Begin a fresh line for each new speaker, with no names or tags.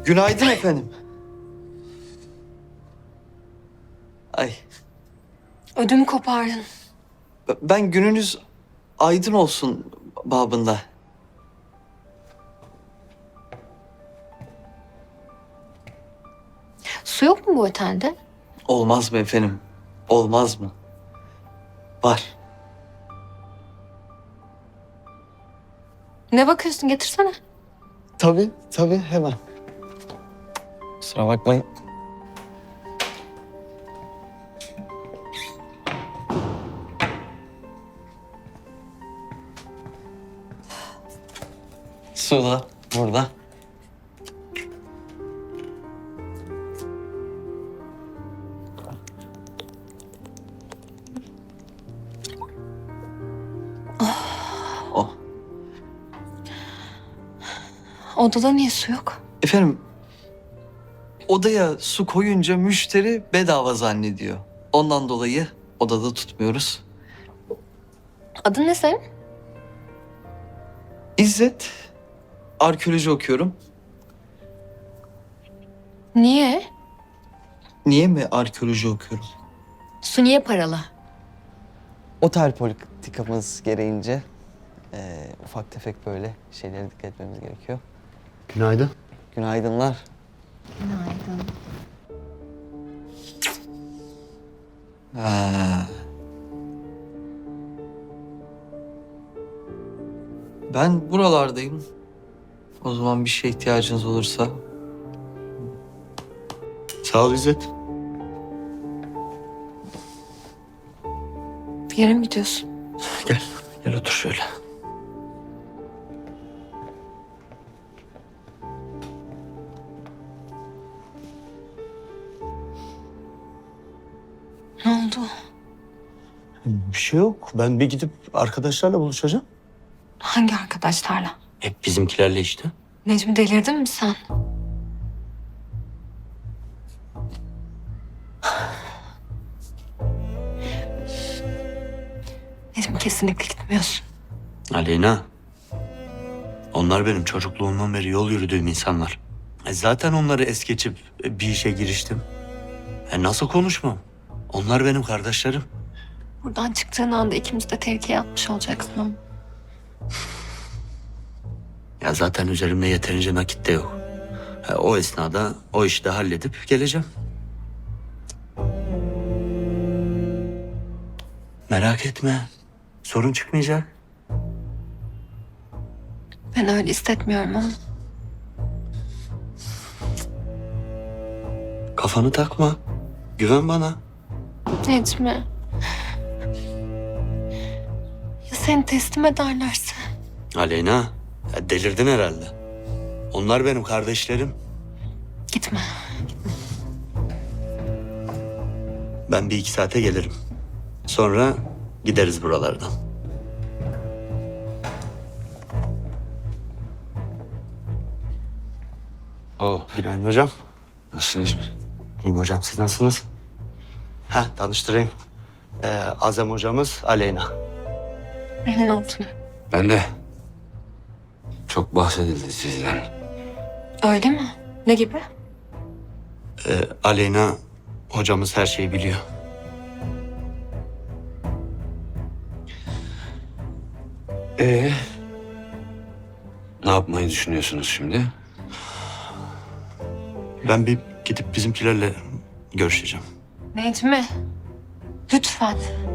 Günaydın efendim. Ay,
Ödümü kopardın.
ben gününüz aydın olsun babında.
Su yok mu bu otelde?
Olmaz mı efendim? Olmaz mı? Var.
Ne bakıyorsun, getirsene.
Tabii hemen. Kusura bakmayın. Su da burada. Oh.
Odada niye su yok?
Efendim, odaya su koyunca müşteri bedava zannediyor. Ondan dolayı odada tutmuyoruz.
Adın ne senin?
İzzet, arkeoloji okuyorum.
Niye?
Niye mi arkeoloji okuyorum?
Su niye paralı?
Otel politikamız gereğince ufak tefek böyle şeylere dikkat etmemiz gerekiyor.
Günaydın.
Günaydınlar.
Günaydın.
Ha. Ben buralardayım. O zaman bir şeye ihtiyacınız olursa.
Sağ ol İzzet.
Bir yere mi gidiyorsun?
Gel otur şöyle.
Ne oldu?
Bir şey yok. Ben bir gidip arkadaşlarla buluşacağım.
Hangi arkadaşlarla?
Hep bizimkilerle işte.
Necmi, delirdin mi sen? Necmi, kesinlikle gitmiyorsun.
Aleyna, onlar benim çocukluğumdan beri yol yürüdüğüm insanlar. Zaten onları es geçip bir işe giriştim. Nasıl konuşmam? Onlar benim kardeşlerim.
Buradan çıktığın anda ikimiz de tehlikeye atmış olacaksın ama.
Ya zaten üzerimde yeterince nakit de yok. O esnada o işi de halledip geleceğim. Merak etme. Sorun çıkmayacak.
Ben öyle hissetmiyorum ama.
Kafanı takma. Güven bana.
Necmi. Ya seni teslim ederlerse?
Aleyna, delirdin herhalde. Onlar benim kardeşlerim.
Gitme.
Ben bir iki saate gelirim. Sonra gideriz buralardan. Günaydın hocam.
Nasılsınız?
İyiyim hocam, siz nasılsınız? Tanıştırayım. Azem hocamız Aleyna.
Memnun oldum.
Ben de. Çok bahsedildi sizden.
Öyle mi? Ne gibi?
Aleyna hocamız her şeyi biliyor.
Ne yapmayı düşünüyorsunuz şimdi?
Ben bir gidip bizimkilerle görüşeceğim.
Necmi. Lütfen.